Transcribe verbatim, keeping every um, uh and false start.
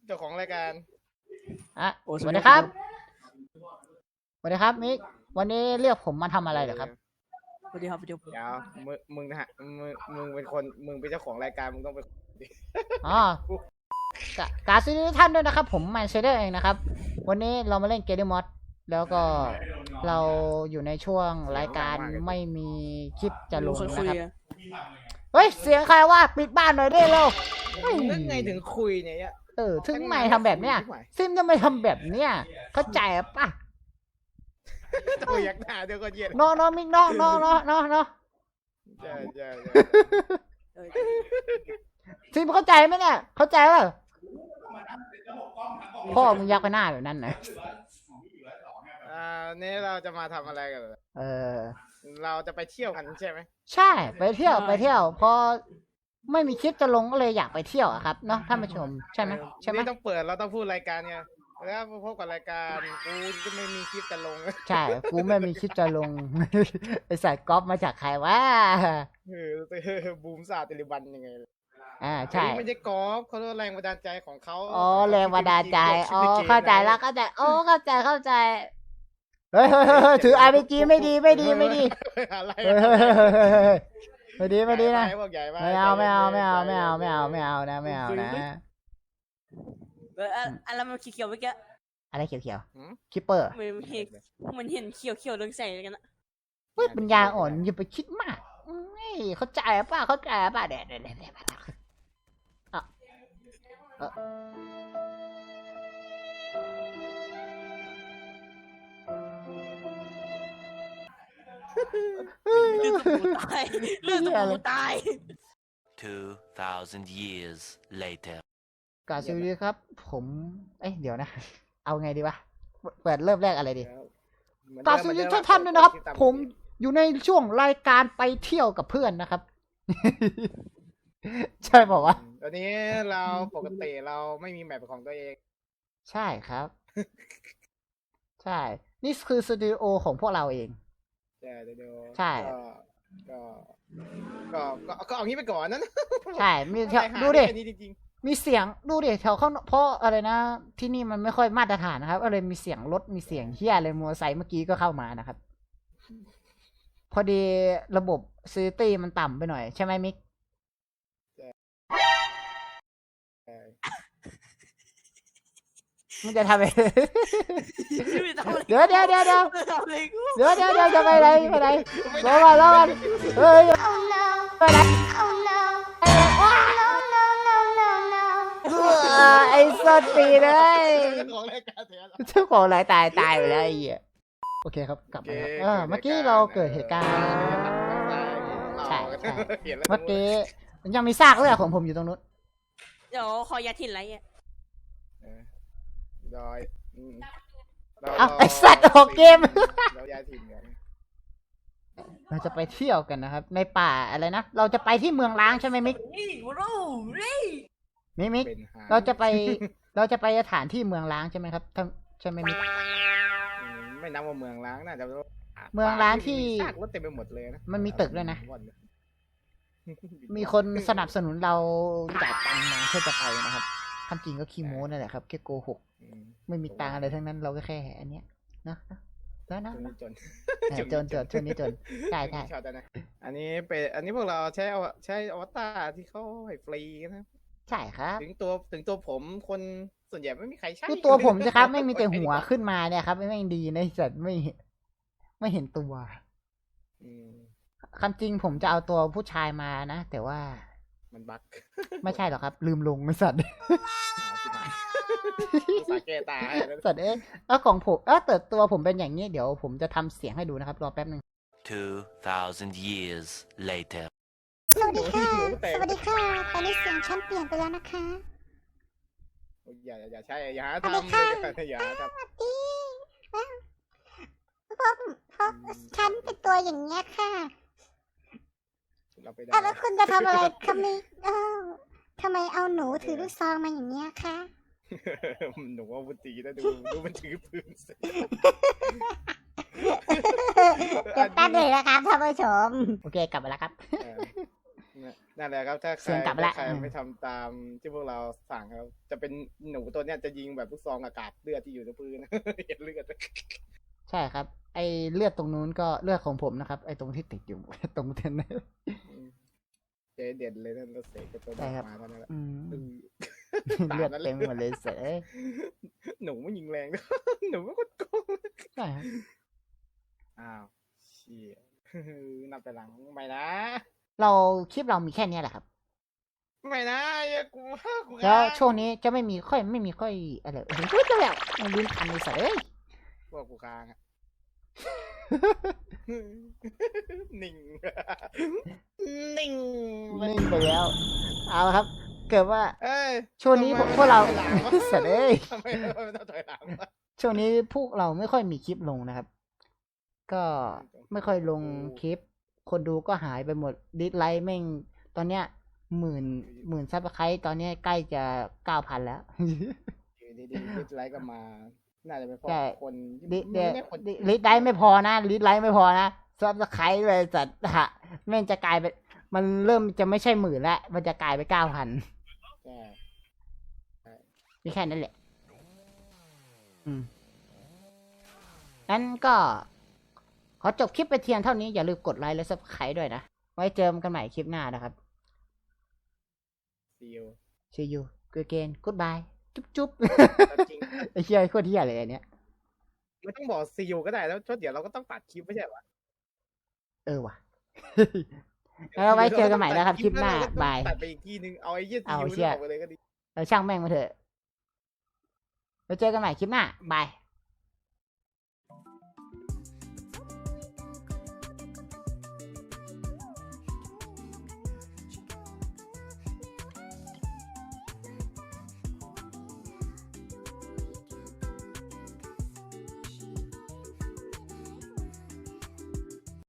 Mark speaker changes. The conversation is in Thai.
Speaker 1: เจ้าของรายการ
Speaker 2: อ่ะสวัสดีครับสวัสดีครับมิกวันนี้เรียกผมมาทำอะไรเหรอครับ
Speaker 3: สวัสดีครับพี่จุ๊บ
Speaker 1: เดี๋ยวมึงมึงนะฮะมึงมึงเป็นคนมึงเป็นเจ้าของรายการมึงต้องเป็น
Speaker 2: อ๋อกาซิทุกท่านด้วยนะครับผมแมนเชเดอร์เองนะครับวันนี้เรามาเล่นเกมมอดแล้วก็เราอยู่ในช่วงรายการไม่มีคลิปจะลงนะครับเฮ้ยเสียงใครว่าปิดบ้านหน่อยได้เร็ว
Speaker 1: นึกไงถึงคุยเนี่ย
Speaker 2: เออถึงไม่ทำแบบเนี้ยซิมจะไม่ทำแบบเนี้ยเข้าใจป่ะ
Speaker 1: ตัวยักหน้าเดี๋ยวก็เย็น
Speaker 2: น้องน้องมิกน้องน้องน้องน้องน้อง
Speaker 1: ใช่ใช่
Speaker 2: ซิมเข้าใจไหมเนี่ยเข้าใจป่ะพ่อมึงยักไปหน้าแบบนั้นนะ
Speaker 1: อ่านี่เราจะมาทำอะไรกัน
Speaker 2: เออ
Speaker 1: เราจะไปเที่ยวกันใช่ไหม
Speaker 2: ใช่ไปเที่ยวไปเที่ยวพอไม่มีคลิปจะลงก็เลยอยากไปเที่ยวอะครับเนาะท่านผู้ชมใช่ไหมใช่ไหม
Speaker 1: ต้องเปิดเราต้องพูดรายการไงแล้วพบกับรายการกูจะไม่มีคลิปจะลง
Speaker 2: ใช่กูไม่มีคลิปจะลงไอสายก๊อปมาจากใครวะ
Speaker 1: เออบูมซาติลิบันยังไง
Speaker 2: อ่าใช่
Speaker 1: ไม่ใช่ก๊อปเขาเรียกแรงบันดาลใจของเขา
Speaker 2: อ๋อแรงบันดาลใจอ๋อเข้าใจแล้วเข้าใจโอ้เข้าใจเข้าใจเฮ้ยถือ อาร์ พี จี ไม่ดีไม่ดีไม่ดีไม่ดีไม่ดีนะไม่เอาไม่เอาไม่เอาไม่เอาไม่เอาไม่เอานะไม่เอานะ
Speaker 3: เอออะไรมันเขียวๆเมื่อกี้
Speaker 2: อะไรเขียวๆคิปเปอร์
Speaker 3: มันเห็นมันเห็นเขียวๆเรื่องใส่กันนะ
Speaker 2: เฮ้ยปัญญาอ่อนอย่าไปคิดมากนี่เข้าใจป่ะเข้าใจป่ะเด็ดเด็ดเด็ดเด็ดอ่ะเออ
Speaker 3: เรื่องสมูตายเรื่องสมูตาย
Speaker 4: two thousand years later
Speaker 2: กาซิลดีครับผมเอ้ยเดี๋ยวนะเอาไงดีวะเปิดเริ่มแรกอะไรดีกาซิลดีท่านท่านด้วยนะครับผมอยู่ในช่วงรายการไปเที่ยวกับเพื่อนนะครับใช่บอกว่า
Speaker 1: ตอนนี้เราปกติเราไม่มีแมปของตัวเอง
Speaker 2: ใช่ครับใช่นี่คือสตูดิโอของพวกเราเอง
Speaker 1: ใช่เดี๋ยว
Speaker 2: ใช่
Speaker 1: ก็ก็ก็ก็เอางี้ไปก่อนนั้น
Speaker 2: ใช่มีดูดิมีเสียงดูดิแถวเขาเพราะอะไรนะที่นี่มันไม่ค่อยมาตรฐานนะครับก็เลยมีเสียงรถมีเสียงเฮียเลยมอเตอร์ไซค์เมื่อกี้ก็เข้ามานะครับพอดีระบบซิตี้มันต่ำไปหน่อยใช่ไหมมิกมันจะทำอะไรเดี๋ยวเดี๋ยวเดี๋ยวเดี๋ยวเดี๋ยวเดี๋ยวเดี๋ยวจะไปไหนไปไหนรอก่อนรอก่อนเฮ้ยไปไหนไอ้สัตว์ปีเลยเจ้าของรายตายตายไปแล้วไอ้เหี้ยโอเคครับกลับมาแล้วเมื่อกี้เราเกิดเหตุการณ์ใช่ใช่เมื่อกี้ยังมีซากเลือดของผมอยู่ตรงนู้น
Speaker 3: เดี๋ยวขอยาถิ่นไรอ่ะ
Speaker 1: ดอย
Speaker 2: เอาไอ้สัตว์ออกเกม
Speaker 1: เราย้ายถิ่นกัน
Speaker 2: เราจะไปเที่ยวกันนะครับในป่าอะไรนะเราจะไปที่เมืองล้างใช่ไหมมิกมิกมิกเราจะไปเราจะไปสถานที่เมืองล้างใช่ไหมครับใช่ไหมมิก
Speaker 1: ไม่นับว่าเมืองล้างน่าจะ
Speaker 2: เมืองล้างที่
Speaker 1: ซากรถเต็มไปหมดเลยนะ
Speaker 2: มันมีตึกด้วยนะมีคนสนับสนุนเราจ่ายตังค์มาเพื่อจะไปนะครับคำจริงก็ขี้โม้นั่นแหละครับแค่โกหกไม่มีตังค์อะไรทั้งนั้นเราก็แค่อันเนี้ยนะนะนะจนจนจนช่วงนี้จนใช่ใช่
Speaker 1: อันนี้เป็นอันนี้พวกเราใช้ใช้อวตารที่เขาให้ฟรีนะ
Speaker 2: ใช่ครับ
Speaker 1: ถึงตัวถึงตัวผมคนส่วนใหญ่ไม่มีใครใช้
Speaker 2: ตัวผมใช่ครับไม่มีแต่หัวขึ้นมาเนี่ยครับไม่ดีนะจัดไม่ไม่เห็นตัวคำจริงผมจะเอาตัวผู้ชายมานะแต่ว่า
Speaker 1: มันบั๊ก
Speaker 2: ไม่ใช่หรอกครับลืมลงไม่สัตว์
Speaker 1: สาเกตา
Speaker 2: สัตว์เอ๊ะแล้วของผมเออแต่ตัวผมเป็นอย่างนี้เดี๋ยวผมจะทำเสียงให้ดูนะครับรอแป๊บนึง
Speaker 4: two thousand years later
Speaker 5: สวัสดีค่ะสวัสดีค่ะตอนนี้เสียงฉันเปลี่ยนไปแล้วนะคะ
Speaker 1: อย่าอย่าใช่อย่าทำอย่าทำ
Speaker 5: สวัสดีเพราะเพราะฉันเป็นตัวอย่างเงี้ยค่ะแล้วคุณจะทำอะไรคะมิเอ้าทำไมเอาหนูถือลูกซองมาอย่างเงี้ยคะ
Speaker 1: หนูว่าวุฒินะดูดูมันถือปืน
Speaker 5: เดี๋ยวแป๊บเลยนะครับท่านผู้ชม
Speaker 2: โอเคกลับมาแล้วครับ
Speaker 1: นั่นแหละครับถ้าใคร
Speaker 2: เสียงกลับมาละ
Speaker 1: ถ้าใคร
Speaker 2: อืม
Speaker 1: ไม่ทำตามที่พวกเราสั่งครับจะเป็นหนูตัวเนี้ยจะยิงแบบลูกซองอากาศเลือดที่อยู่ในพื้น เห็นเลือด
Speaker 2: ใช่ครับ ไอเลือดตรงนู้นก็เลือดของผมนะครับ ไอตรงที่ติดอยู่ ตรงเทนเนอร์
Speaker 1: เจ๊เด็ดเลยนั่นเราเสกกับตัว
Speaker 2: ใช่
Speaker 1: เด็ก
Speaker 2: ครับ
Speaker 1: มาเท่านั้นแหละ
Speaker 2: อืม
Speaker 1: อืม
Speaker 2: เลือดเต็มหมดเลยเสย
Speaker 1: หนูไม่ยิงแรง หนูไม่กดโกง
Speaker 2: ใช่ครับ
Speaker 1: อ้าวเชี่ย นับไปหลังไม่นะ
Speaker 2: เราคลิปเรามีแค่เนี้ยแหละครับ
Speaker 1: ไม่นะอย่ากูว่ากู
Speaker 2: แล้ว
Speaker 1: ค้าง
Speaker 2: ช่วงนี้จะไม่มีค่อยไม่มีค่อยอะไรโอ้โหจะแบบมันลิ้นพันเลยเสยเอ้ย
Speaker 1: พวกกูค้างอะ นิ่ง นิ่ง
Speaker 2: นิ่งไปแล้ว เอาละครับ เกิดว่า
Speaker 1: เอ้ย
Speaker 2: ช่วงนี้
Speaker 1: ทำไม
Speaker 2: พวกเรา
Speaker 1: ไม่ถอยหลังวะ
Speaker 2: เสยเอ้ย
Speaker 1: ทำไมไม่ต้องถอยหลังวะ
Speaker 2: ช่วงนี้พวกเราไม่ค่อยมีคลิปลงนะครับ ก็ไม่ค่อยลงคลิป คนดูก็หายไปหมดดิสไลค์แม่งตอนเนี้ยหมื่นหมื่นซับสไครต์ตอนเนี้ยใกล้จะเก้าพันแล้ว
Speaker 1: อยู่ดีๆดิสไลค์ก็มา น่าจะเป็นเพราะ
Speaker 2: ใช่
Speaker 1: คน
Speaker 2: ดิ
Speaker 1: มัน
Speaker 2: เดี๋ยว
Speaker 1: ไม่ได้คน
Speaker 2: ดิลิสไลค์ไม่พอนะลิสไลค์ไม่พอนะซับสไครต์เลยจัดฮะแม่งจะกลายเป็นมันเริ่มจะไม่ใช่หมื่นแล้วมันจะกลายไปเก้าพัน
Speaker 1: ใช่
Speaker 2: มีแค่นั้นแหละ อืมงั้นก็ ขอจบคลิปไปเพียงเท่านี้อย่าลืมกดไลค์และซับสไครต์ด้วยนะ ไว้เจอกันใหม่คลิปหน้านะครับ
Speaker 1: ซีอู
Speaker 2: see you again goodbye จุ๊บจุ๊บ
Speaker 1: จริง
Speaker 2: ไอ้เหี้ยโคตรเหี้ยเลยอันเนี้ย
Speaker 1: ไม่ต้องบอกซีอูก็ได้แล้วเพราะเดี๋ยวเราก็ต้องตัดคลิปไม่ใช่เหรอ
Speaker 2: เออว่ะ แล้วเราไว้เจอกันใหม่นะครับคลิปหน้า
Speaker 1: เรก็ต้อง
Speaker 2: บาย
Speaker 1: ตัดไปอีกทีนึงเอาไอ้เยี่ยซี
Speaker 2: เอา
Speaker 1: อู
Speaker 2: เชี่
Speaker 1: นี่
Speaker 2: ย
Speaker 1: ออกไปเลยก็ดี
Speaker 2: เราช่างแม่งมาเถอะไว้เจอกันใหม่คลิปหน้าบาย